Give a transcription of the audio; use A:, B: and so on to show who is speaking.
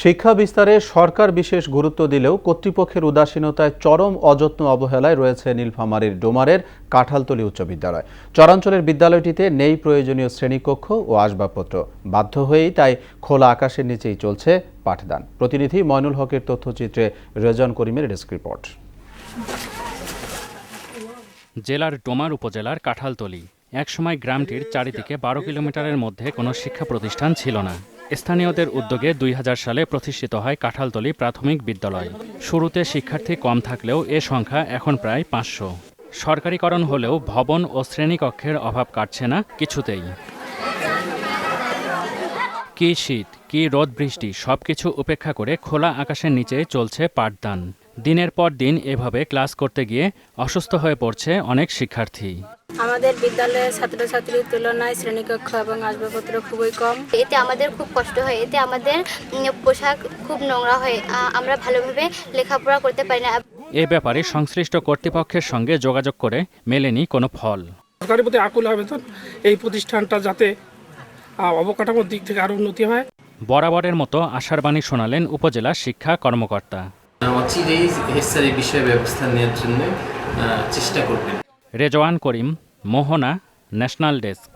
A: শিক্ষা বিস্তারে সরকার বিশেষ গুরুত্ব দিলেও কর্তৃপক্ষের উদাসীনতায় চরম অযত্ন অবহেলায় রয়েছে নীলফামারীর ডোমারের কাঁঠালতলী উচ্চ বিদ্যালয়। চরাঞ্চলের বিদ্যালয়টিতে নেই প্রয়োজনীয় শ্রেণীকক্ষ ও আসবাবপত্র। বাধ্য হয়েই তাই খোলা আকাশের নিচেই চলছে পাঠদান। প্রতিনিধি ময়নুল হকের তথ্যচিত্রে রেজন করিমের ডেস্ক রিপোর্ট।
B: জেলার ডোমার উপজেলার কাঁঠালতলী একসময় গ্রামটির চারিদিকে ১২ কিলোমিটারের মধ্যে কোনো শিক্ষা প্রতিষ্ঠান ছিল না। স্থানীয়দের উদ্যোগে ২০০০ সালে প্রতিষ্ঠিত হয় কাঁঠালতলী প্রাথমিক বিদ্যালয়। শুরুতে শিক্ষার্থী কম থাকলেও এ সংখ্যা এখন প্রায় ৫০০। সরকারিকরণ হলেও ভবন ও শ্রেণীকক্ষের অভাব কাটছে না কিছুতেই। কি শীত, কি রোদ বৃষ্টি সবকিছু উপেক্ষা করে খোলা আকাশের নিচে চলছে পাঠদান। দিনের পর দিন এভাবে ক্লাস করতে গিয়ে অসুস্থ হয়ে পড়ছে অনেক শিক্ষার্থী।
C: আমাদের বিদ্যালয়ের ছাত্রছাত্রীর তুলনায় শ্রেণীকক্ষ এবং আসবাবপত্র খুবই কম।
D: এতে আমাদের খুব কষ্ট হয়, এতে আমাদের পোশাক খুব নোংরা হয়, আমরা ভালোভাবে লেখাপড়া করতে পারি না।
B: এ ব্যাপারে সংশ্লিষ্ট কর্তৃপক্ষের সঙ্গে যোগাযোগ করে মেলেনি কোনো ফল।
E: সরকারের প্রতি আকুল আবেদন, এই প্রতিষ্ঠানটা যাতে অবকাঠামোর দিক থেকে আরও উন্নতি হয়।
B: বরাবরের মতো আশার বাণী শোনালেন উপজেলা শিক্ষা কর্মকর্তা।
F: অচিরেই এই বিষয়ে ব্যবস্থা নেওয়ার জন্য চেষ্টা করবেন।
B: Rezwan Karim, Mohona, national desk.